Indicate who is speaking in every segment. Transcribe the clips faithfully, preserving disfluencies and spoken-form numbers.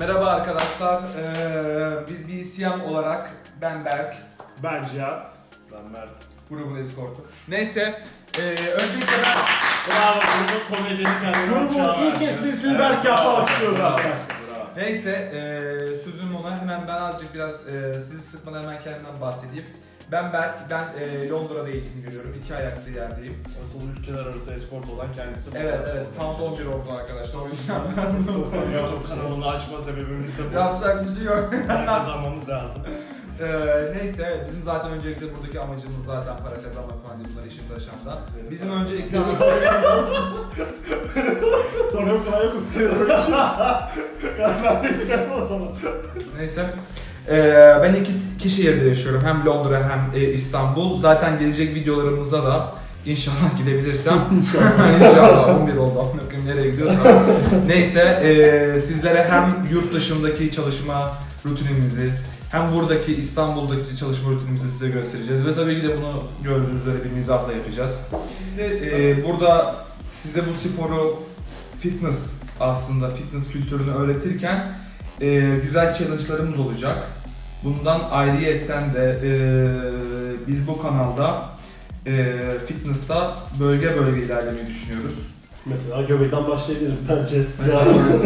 Speaker 1: Merhaba arkadaşlar, ee, biz B C M olarak ben Berk,
Speaker 2: Ben Cihat.
Speaker 3: Ben Mert.
Speaker 1: grubun eskortu. Neyse, ee, öncelikle ben...
Speaker 3: Bravo, bunu komedinin kendine
Speaker 2: Grubun ilk esprisini Berk yaptı, alkışlıyoruz arkadaşlar.
Speaker 3: Bravo.
Speaker 1: Neyse, ee, sözüm ona hemen ben azıcık biraz ee, sizi sıkmadan hemen kendimden bahsedeyim. Ben Berk, ben ee, Londra'da eğitim görüyorum, iki ayaklı yerdeyim.
Speaker 3: Asıl ülkeler arası eskort olan kendisi.
Speaker 1: Evet, evet, Pound on bir oldu arkadaşlar, o yüzden ben
Speaker 3: YouTube kanalını açma sebebimiz de bu.
Speaker 1: yapacak bir şey yok.
Speaker 3: Para kazanmamız lazım.
Speaker 1: Ee, neyse bizim zaten öncelikle buradaki amacımız zaten para kazanmak falan değil, bunlar işin taşanda. Bizim öncelikle
Speaker 2: Sonra yok sana yok ıskıyor.
Speaker 3: Ben de gidelim o zaman.
Speaker 1: neyse. Ee, ben iki, iki şehirde yaşıyorum, hem Londra hem e, İstanbul. Zaten gelecek videolarımızda da inşallah gidebilirsem inşallah inşallah on bir oldu bakayım nereye gidiyorsam. Neyse e, sizlere hem yurt dışındaki çalışma rutinimizi hem buradaki İstanbul'daki çalışma rutinimizi size göstereceğiz ve tabii ki de bunu gördüğünüz üzere bir mizahla yapacağız. Şimdi e, burada size bu sporu, fitness aslında fitness kültürünü öğretirken e, güzel challenge'larımız olacak. Bundan ayrıyetten de e, biz bu kanalda e, fitness'ta bölge bölge ilerlemeyi düşünüyoruz.
Speaker 2: Mesela göbekten başlayabiliriz bence.
Speaker 1: Mesela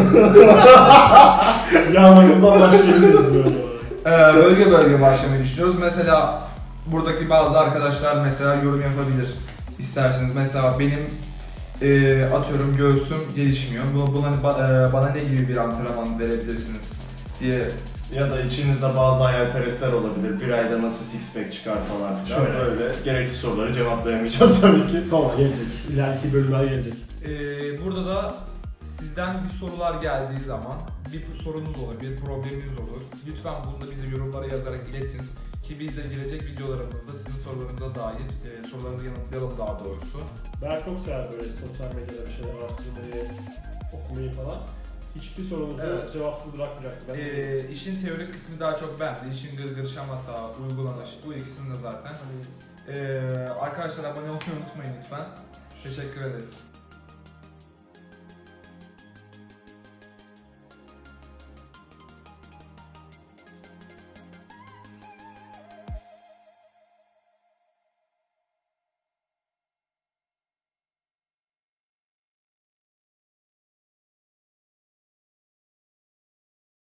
Speaker 2: Yağmamızdan başlayabiliriz böyle.
Speaker 1: Ee, bölge bölge başlamayı düşünüyoruz. Mesela buradaki bazı arkadaşlar mesela yorum yapabilir isterseniz. Mesela benim e, atıyorum göğsüm gelişmiyor. Buna, buna ba- e, bana ne gibi bir antrenman verebilirsiniz diye.
Speaker 3: Ya da içinizde bazı hayalperestler olabilir. Bir ayda nasıl six pack çıkar falan filan.
Speaker 1: Şöyle.
Speaker 3: Böyle gereksiz soruları cevaplayamayacağız tabii ki.
Speaker 2: Sonra gelecek. İleriki bölümler gelecek.
Speaker 1: Ee, burada da sizden bir sorular geldiği zaman bir sorunuz olur, bir probleminiz olur. Lütfen bunu da bize yorumlara yazarak iletin ki biz de gelecek videolarımızda sizin sorularınıza dair e, sorularınızı yanıtlayalım daha doğrusu.
Speaker 2: Ben çok sever böyle sosyal medyada bir şeyler araştırmayı, okumayı falan. Hiçbir sorunuzu
Speaker 1: Evet.
Speaker 2: cevapsız bırakmayacaktı. Ben
Speaker 1: Ee, işin teorik kısmı daha çok bende. İşin gırgır şamata, uygulanış bu ikisini de zaten. Ee, arkadaşlar abone olmayı unutmayın lütfen. Teşekkür ederiz.